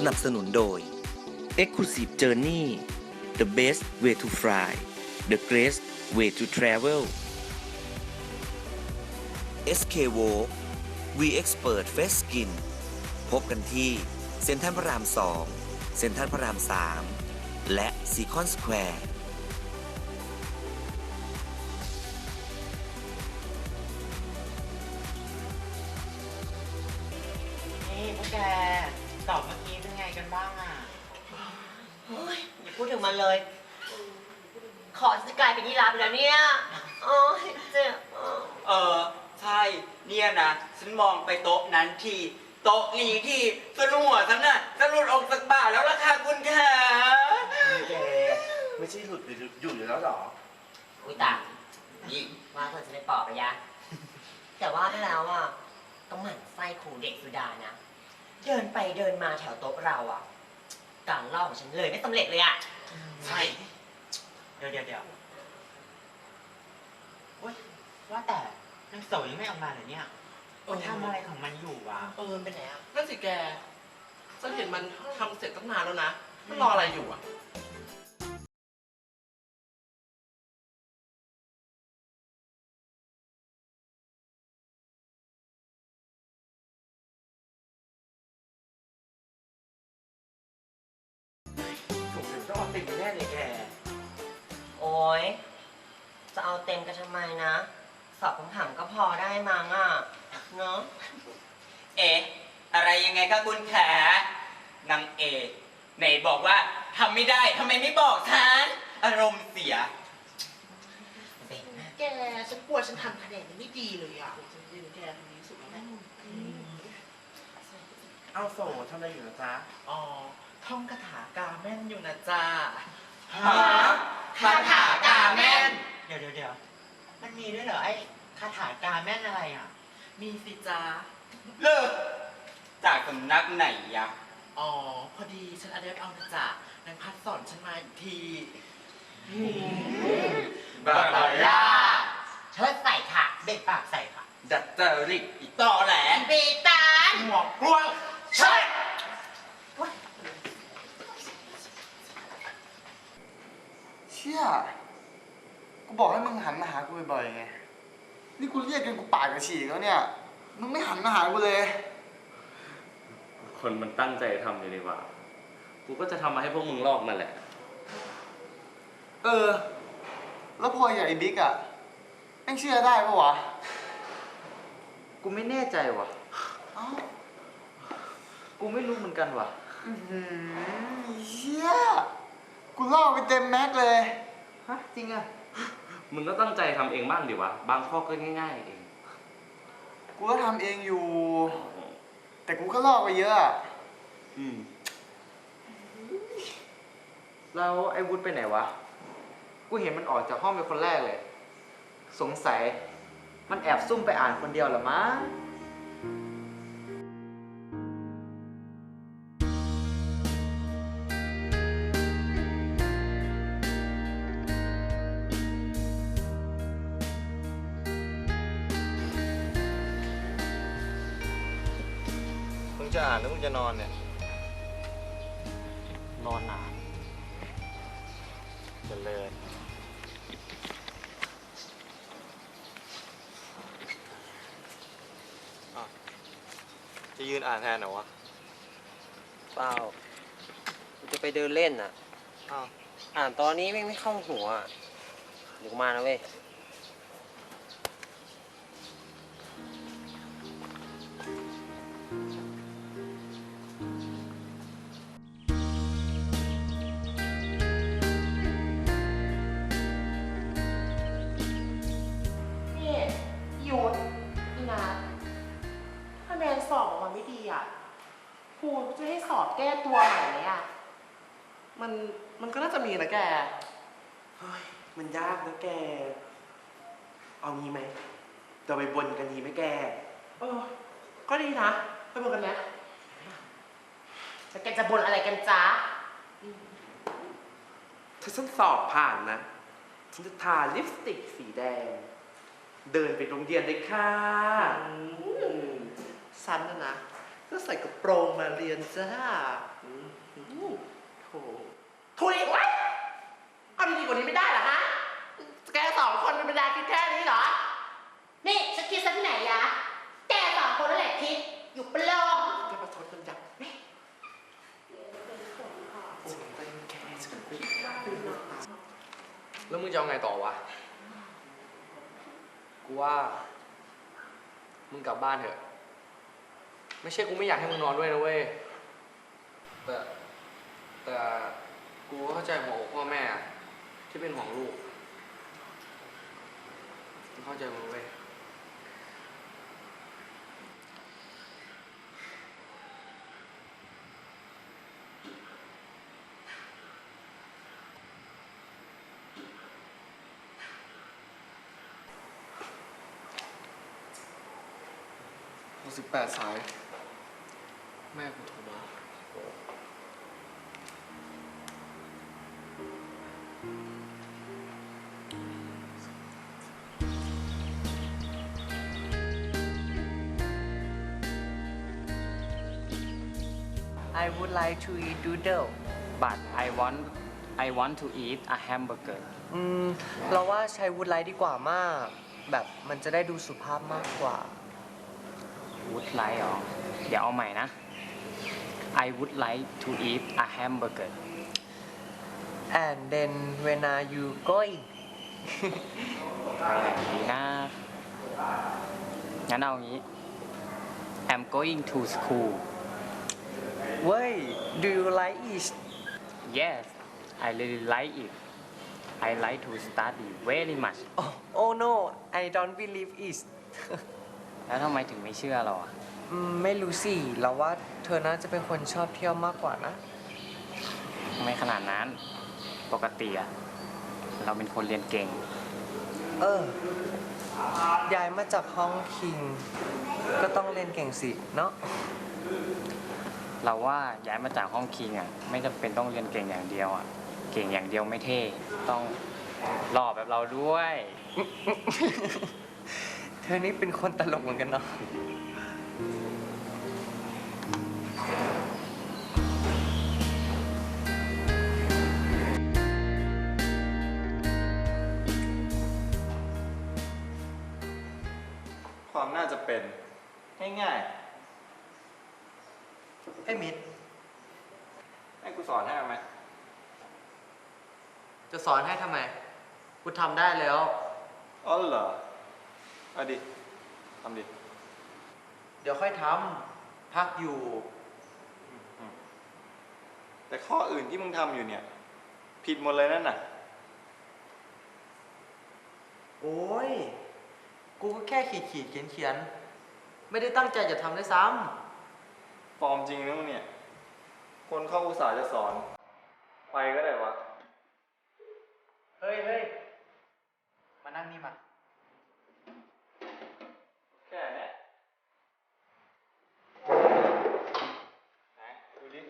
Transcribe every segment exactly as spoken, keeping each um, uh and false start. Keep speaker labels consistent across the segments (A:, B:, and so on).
A: นับสนุนโดย Exclusive Journey The best way to fly The greatest way to travel เอส เค Walk We Expert Face Skin พบกันที่เซ็นทรัลพระรามสองเซ็นทรัลพระรามสามและซีคอนสแควร์
B: นี่พวกแกสอบเมื่อกี้เป็นไงกันบ้างอ่ะ
C: โอ้ยอย่าพูดถึงมันเลย ขอจะกลายเป็นยีราฟแล้วเนี่ยโอ้ยเจ็บ
B: เออใช่เนี่ยนะฉันมองไปโต๊ะนั้นทีโต๊ะนี้ที่สรุปหัวฉันน่ะจะหลุดออกจากบ่าแล้วราคาคุณค่ะ
D: แกไม่ใช่หลุดอยู่อยู่แล้วหรอ
C: อุ้ยตายยิ่งว่าเธอจะได้ปอบระยะ แต่ว่าไปแล้วอ่ะต้องหมั่นไส้ครูเด็กสุดานะ เดินไปเดินมาแถวโต๊ะเราอ่ะ การเล่าของฉันเลยไม่สำเร็จเลยอ่ะ
B: ใช่เดี๋ยวเดี๋ยวเดี๋ยวเว้ยว่าแต่นางโสยังไม่ออกมาเหรอเนี่ยมันทำอะไรของมันอยู่วะ
D: เออเป็นไหนอ่ะนั่นสิแกฉันเห็นมันทำเสร็จตั้งนานแล้วนะ มันรออะไรอยู่อ่ะสงสัยต้องเอาติดแน่เลยแก
C: โอ้ยจะเอาเต็มกันทำไมนะ สอบคำถามก็พอได้มั้งอ่ะ เนาะ
B: เอ๊ะอะไรยังไงคะคุณแขนางเอกไหนบอกว่าทำไม่ได้ทำไมไม่บอกฉันอารมณ์เสีย
E: แกฉันกลัวฉันทำคะแนนมันไม่ดีเลยอ่ะฉันยืนแกทำนี้สุดแล้วแม่
D: เอาโสทำอะไรอยู่นะจ๊ะ
B: อ๋อท่องคาถากาแม่นอยู่นะจ๊ะ
D: ฮะคาถากาแม่น
B: เดี๋ยวเดี๋ยวเดี๋ยวมันมีด้วยเหรอไอ้คาถากาแม่นอะไรอ่ะ
D: มีสิจ๊ะ
B: เลิกจากสำนักไหนยะ
D: อ๋อ พอดีฉันอาเดบเอานะจ๊ะนางพัดสอนฉันมาอีกที
B: บาบาร่า
C: เชิดใส่ค่ะ เบ็ดปากใส่ค่ะ
B: ดัตเตอริกอีต่อแหล
C: เบตาน
B: หมวกกล้วยใช่
F: เชี่ย กูบอกให้มึงหันมาหากูบ่อยๆไง นี่กูเรียกจนกูปากกระฉีกแล้วเนี่ย มึงไม่หันมาหากูเลย
G: คนมันตั้งใจทำเลยดีกว่า กูก็จะทำมาให้พวกมึงลอกนั่นแหละ
F: เออ แล้วพลอยกับไอ้บิ๊กอะแม่งเชื่อได้ปะวะ
H: กูไม่แน่ใจว่ะ
F: เอ้า
H: กูไม่รู้เหมือนกันว่ะ
F: อื้อหือเชี่ย กูลอกไปเต็มแม็กเลย
H: ฮะ จริงอ่ะ
G: มึงก็ตั้งใจทำเองบ้างดิวะ บางข้อก็ง่ายๆเอง
F: กูก็ทำเองอยู่ แต่กูก็ลอกไปเยอะอะ
G: อืม
H: แล้วไอ้วุฒิไปไหนวะ กูเห็นมันออกจากห้องเป็นคนแรกเลย สงสัย มันแอบซุ่มไปอ่านคนเดียวเหรอมั้ง
F: มึงจะอ่านหรือมึงจะนอนเนี่ย
H: นอนนาน
F: เจริญจะยืนอ่านแทนเหรอวะ
I: เปล่ากูจะไปเดินเล่นอ่ะ
F: อ้าว
I: อ่านตอนนี้ไม่งไม่เข้าหัวอะเดี๋ยวกูมานะเว้ย
E: นี่ยุทธอีนัทคะแนนสอบออกมาไม่ดีอ่ะครูจะให้สอบแก้ตัวใหม่ไหมอ่ะ
D: มัน มันก็น่าจะมีนะแก เฮ้ย มันยากนะแก เอางี้ไหมจะไปบนกันดีไหมแก เออ ก็ดีนะ ไปบนกันไหม
E: จะแกจะบ่นอะไรกันจ๊ะ
D: ถ้าฉันสอบผ่านนะ ฉันจะทาลิปสติกสีแดง เดินไปโรงเรียนเลยค่ะฉันนะนะ ก็ใส่กระโปรงมาเรียนจ้าอืมโถทุยไว้เอาดีๆกว่านี้ไม่ได้เหรอฮะ แกสองคนเป็นปัญญาคิดแค่นี้เหรอ
E: นี่ฉันคิดซะที่ไหนยะ แกสองคนนั่นแหละคิด อยู่ปลอม
D: แกประชดกันจังนี่โอ้ยเป็นแกฉันเป็น
I: แล้วมึงจะเอาไงต่อวะ กูว่า มึงกลับบ้านเถอะ ไม่ใช่กูไม่อยากให้มึงนอนด้วยนะเว้ย แต่ แต่กูก็เข้าใจหัวอกพ่อแม่อะที่เป็นห่วงลูกกูเข้าใจมึงเว้ย หกสิบแปดสาย แม่กูโทรมา
H: I would like to eat doodle
B: but I want I want to eat a hamburger
H: อืม เราว่าใช้ would like ดีกว่ามาก แบบมันจะได้ดูสุภาพมากกว่า
B: would like อ๋อเดี๋ยวเอาใหม่นะ I would like to eat a hamburger
H: and then when are you going
B: อะไรดีนะ งั้นเอางี้ I'm going to school
H: เว้ย do you like it
B: yes I really like it I like to study very much
H: oh, oh no I don't believe it
B: แล้วทำไมถึงไม่เชื่อเราอ่ะ
H: อืม ไม่รู้สิ เราว่าเธอน่าจะเป็นคนชอบเที่ยวมากกว่านะ
B: ไม่ขนาดนั้น ปกติอะเราเป็นคนเรียนเก่ง
H: เออ ย้ายมาจากห้องคิง ก็ต้องเรียนเก่งสิ เนาะ
B: เราว่าย้ายมาจากห้องคิงอ่ะไม่จำเป็นต้องเรียนเก่งอย่างเดียวอ่ะ เก่งอย่างเดียวไม่เท่ ต้องหล่อแบบเราด้วย
H: เธอนี่เป็นคนตลกเหมือนกันเนาะ
F: ความน่าจะเป็น ง่าย
H: ไอ้มิด
F: ๆ ให้กูสอนให้ไหม
H: จะสอนให้ทำไม กูทำได้แล้ว
F: อ๋อเหรอเอาดิทำดิ
H: เดี๋ยวค่อยทำ พักอยู่
F: แต่ข้ออื่นที่มึงทำอยู่เนี่ย ผิดหมดเลยนั่นน่ะ
H: โอ้ย กูก็แค่ขีดขีดเขียนเขียน ไม่ได้ตั้งใจจะทำด้วยซ้
F: ฟอร์มจริงนะมึงเนี่ย คนเข้าอุตส่าห์จะสอน ไปก็ได้วะ
H: ำ เฮ้ยเฮ้ย มานั่งนี่มา
F: แค่เนี้ยไหนดูดิ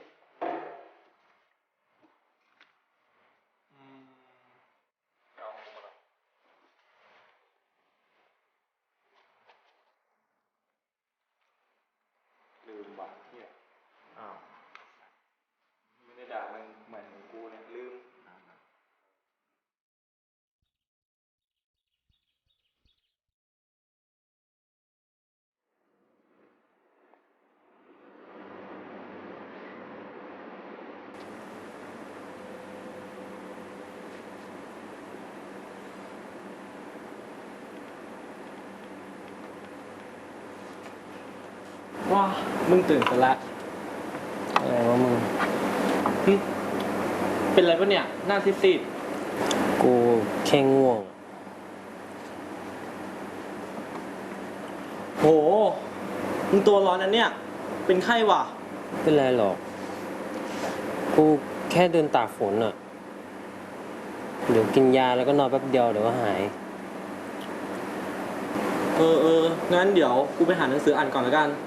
F: อืมเอามาหน่อยลืมว่ะเฮีย
H: อ้าว
F: ไม่ได้ด่ามึงเหมือนกูเนี่ยลืม
I: ว้า มึงตื่นกันละอะไรวะมึงหึเป็นไรปะเนี่ย หน้าซีดๆกูแค่ง่วง โห มึงตัวร้อนอันเนี้ย เป็นไข้ว่ะ
J: เป็นไรหรอก กูแค่เดินตากฝนอ่ะ เดี๋ยวกินยาแล้วก็นอนแป๊บเดียวเดี๋ยวก็หาย
I: เออเอองั้นเดี๋ยวกูไปหาหนังสืออ่านก่อนแล้วกัน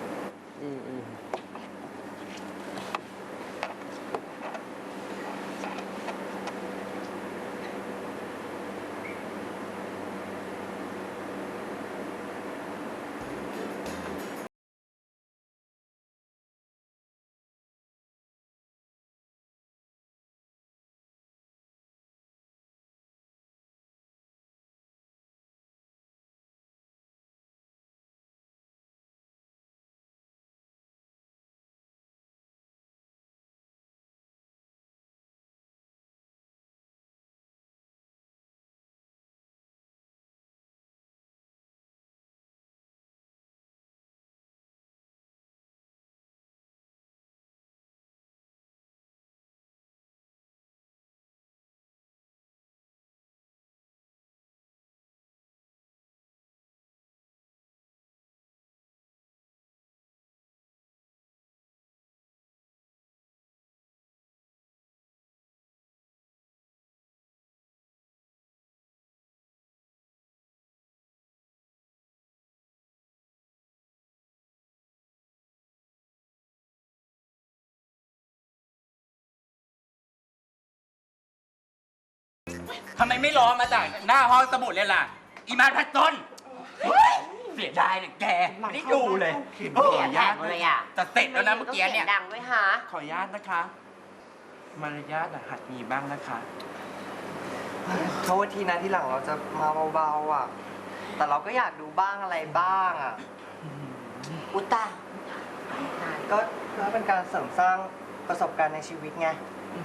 B: ทำไมไม่รอมาจากหน้าห้องสมุดเลยล่ะ อีมานพัดจนเฮ้ยเสียดายเนี่ยแกไม่ได้ดูเลย
D: เข็ม
C: เสียแผนหมดเลยอ่ะ
B: จะเสร็จแล้วนะเมื่อกี้เนี่ย
C: ต้องสีงดังด้วยฮะ
D: ขออนุญาตนะคะ มารยาทอะหัดมีบ้างนะคะ
H: เขาว่าทีนะที่หลังเราจะมาเบาๆอ่ะ แต่เราก็อยากดูบ้างอะไรบ้างอ่ะ
C: อุตตา
H: ก็เพื่อเป็นการเสริมสร้างประสบการณ์ในชีวิตไง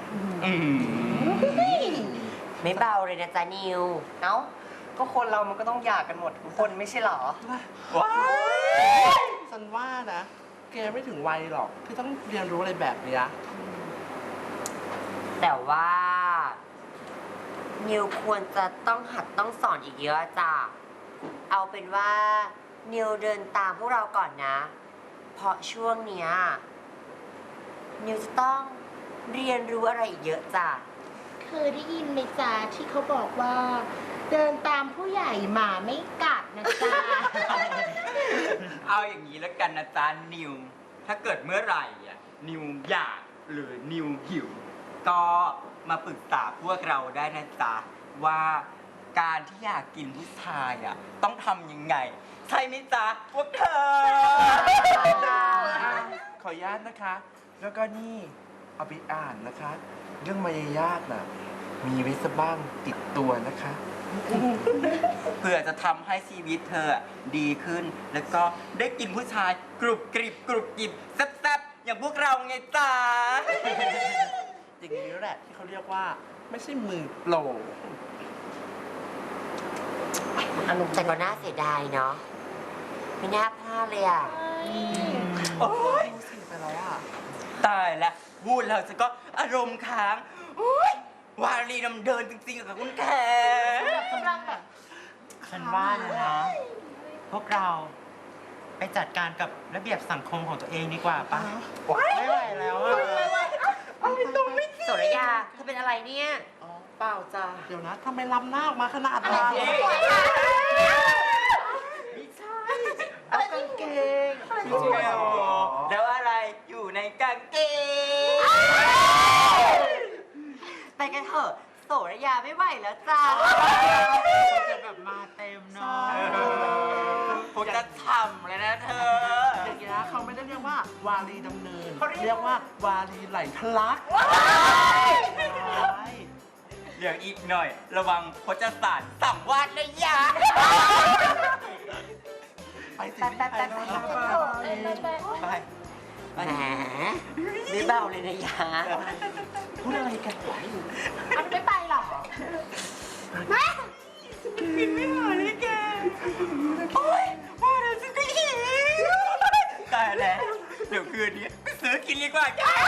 C: ไม่เบาเลยนะจ๊ะนิว
H: เอ้า ก็คนเรามันก็ต้องอยากกันหมดทุกคนไม่ใช่เหรอ
B: ว้าย
D: ฉันว่านะ แกไม่ถึงวัยหรอกที่ต้องเรียนรู้อะไรแบบเนี้ย
C: แต่ว่า นิวควรจะต้องหัดต้องสอนอีกเยอะจ้ะ เอาเป็นว่า นิวเดินตามพวกเราก่อนนะ เพราะช่วงเนี้ย นิวจะต้องเรียนรู้อะไรอีกเยอะจ้ะ
E: เคยได้ยินไหมจ๊ะที่เขาบอกว่า เดินตามผู้ใหญ่หมาไม่กัดนะจ๊ะ
B: เอาอย่างนี้แล้วกันนะจ๊ะนิว ถ้าเกิดเมื่อไหร่อ่ะนิวอยากหรือนิวหิว ก็มาปรึกษาพวกเราได้นะจ๊ะว่าการที่อยากกินผู้ชายอ่ะต้องทำยังไง ใช่ไหมจ๊ะพวกเธอ
D: ขออนุญาตนะคะ แล้วก็นี่เอาไปอ่านนะคะ เรื่องมารยาทน่ะ มีไว้สักบ้างติดตัวนะคะ
B: เพื่อจะทำให้ชีวิตเธอดีขึ้น แล้วก็ได้กินผู้ชายกรุบกริบกรุบกริบแซ่บๆอย่างพวกเราไงจ๊ะ
D: อย่างนี้แหละที่เขาเรียกว่าไม่ใช่มือโปร
C: แต่ก็น่าเสียดายเนาะ ไม่น่าพลาดเลยอ่ะ
B: โอ๊ย
D: ไปแล้วอ่ะ
B: ตายแล้วพูดแล้วฉันก็อารมณ์ค้างโอ๊ยวารีนำเดินจริงๆค่ะคุณแขก
K: ฉันว่านะ พวกเราไปจัดการกับระเบียบสังคมของตัวเองดีกว่าปะไม่ไหวแล้วอะ
C: โสรยาเธอเป็นอะไรเนี่ย
D: อ๋อ เปล่าจ้าเดี๋ยวนะทำไมล้ำหน้าออกมาขนาดนั้น
B: เอากางเกงแล้วอะไรอยู่ในกางเกง
C: ไปกันเถอะ โสรยาไม่ไหวแล้วจ้า
K: จะแบบมาเต็มเนาะ
B: คงจะทำเลยนะเธอ
D: อย่างนี้นะเขาไม่ได้เรียกว่าวารีดำเนินเขาเรียกว่าวารีไหลทะลัก
B: เดี๋ยวอีกหน่อย ระวังพจศาสตร์สังวาสนะยะ
D: ไปสิ
C: ไปไปไปไป
B: ไป
C: แหมไม่เบาเลยนะยา
D: พูดอะไรกันวะ
E: อันไม่ไปหรอก
B: กินไม่หายเลยแก โอ๊ยว่าแล้วฉันก็หิวตายแล้ว เดี๋ยวคืนนี้ไปซื้อกินดีกว่าแก